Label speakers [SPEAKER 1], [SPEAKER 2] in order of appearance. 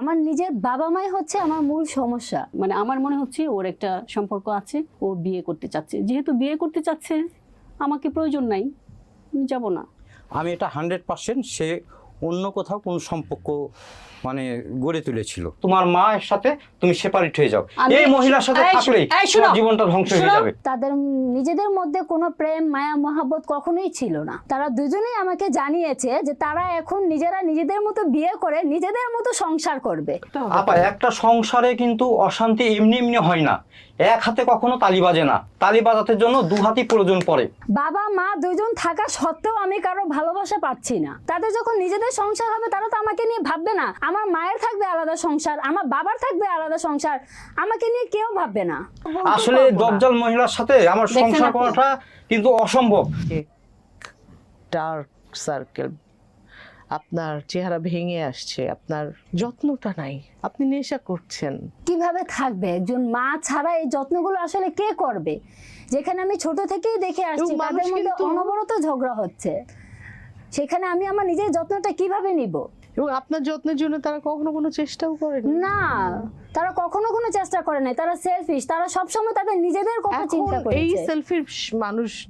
[SPEAKER 1] আমার নিজের বাবা মাই হচ্ছে আমার মূল সমস্যা।
[SPEAKER 2] মানে আমার মনে হচ্ছে ওর একটা সম্পর্ক আছে, ও বিয়ে করতে চাচ্ছে। যেহেতু বিয়ে করতে চাচ্ছে, আমাকে প্রয়োজন নাই, আমি যাব না।
[SPEAKER 3] আমি এটা 100% সে অন্য কোথাও কোনো সম্পর্ক মানে গড়ে তুলেছিল। তোমার মায়ের সাথে তুমি সেপারেট হয়ে যাও, এই মহিলার সাথে থাকলেই তোমার জীবনটা ধ্বংস হয়ে যাবে।
[SPEAKER 1] তাদের নিজেদের মধ্যে কোনো প্রেম মায়া মহাব্বত কখনোই ছিল না। তারা দুজনেই আমাকে জানিয়েছে যে তারা এখন নিজেরা নিজেদের মতো বিয়ে করে নিজেদের মতো সংসার করবে।
[SPEAKER 3] আপা, একটা সংসারে কিন্তু অশান্তি এমনি এমনি হয় না, এক হাতে কখনো তালি বাজে না, তালি বাজাতে জন্য দু হাতই প্রয়োজন পড়ে।
[SPEAKER 1] বাবা মা দুজন থাকা সত্ত্বেও আমি কারো ভালোবাসা পাচ্ছি না। তাদের যখন নিজেদের সংসার হবে তারা তো আমাকে নিয়ে ভাববে না। আমার মায়ের থাকবে আলাদা সংসার, আমার বাবার থাকবে আলাদা সংসার, আমাকে নিয়ে কেউ ভাববে না।
[SPEAKER 3] আসলে দজ্জাল মহিলার সাথে আমার সংসার করাটা কিন্তু অসম্ভব।
[SPEAKER 4] ডার্ক সার্কেল, আপনার চেহারা ভেঙে আসছে, আপনার যত্নটা নাই, আপনি নেশা করছেন।
[SPEAKER 1] কিভাবে থাকবে একজন মা ছাড়া? এই যত্নগুলো আসলে কে করবে? যেখানে আমি ছোট থেকেই দেখে আসছি তাদের মধ্যে অনবরত ঝগড়া হচ্ছে, সেখানে আমি আমার নিজের যত্নটা কিভাবে নিব?
[SPEAKER 4] এবং আপনার যত্নের জন্য তারা কখনো কোনো চেষ্টাও করেন
[SPEAKER 1] না, তারা কখনো কোনো চেষ্টা করে নাই। তারা সেলফিশ, তারা সবসময় তাদের নিজেদের কথা চিন্তা
[SPEAKER 4] এই
[SPEAKER 1] করেছে।
[SPEAKER 4] সেলফিশ মানুষ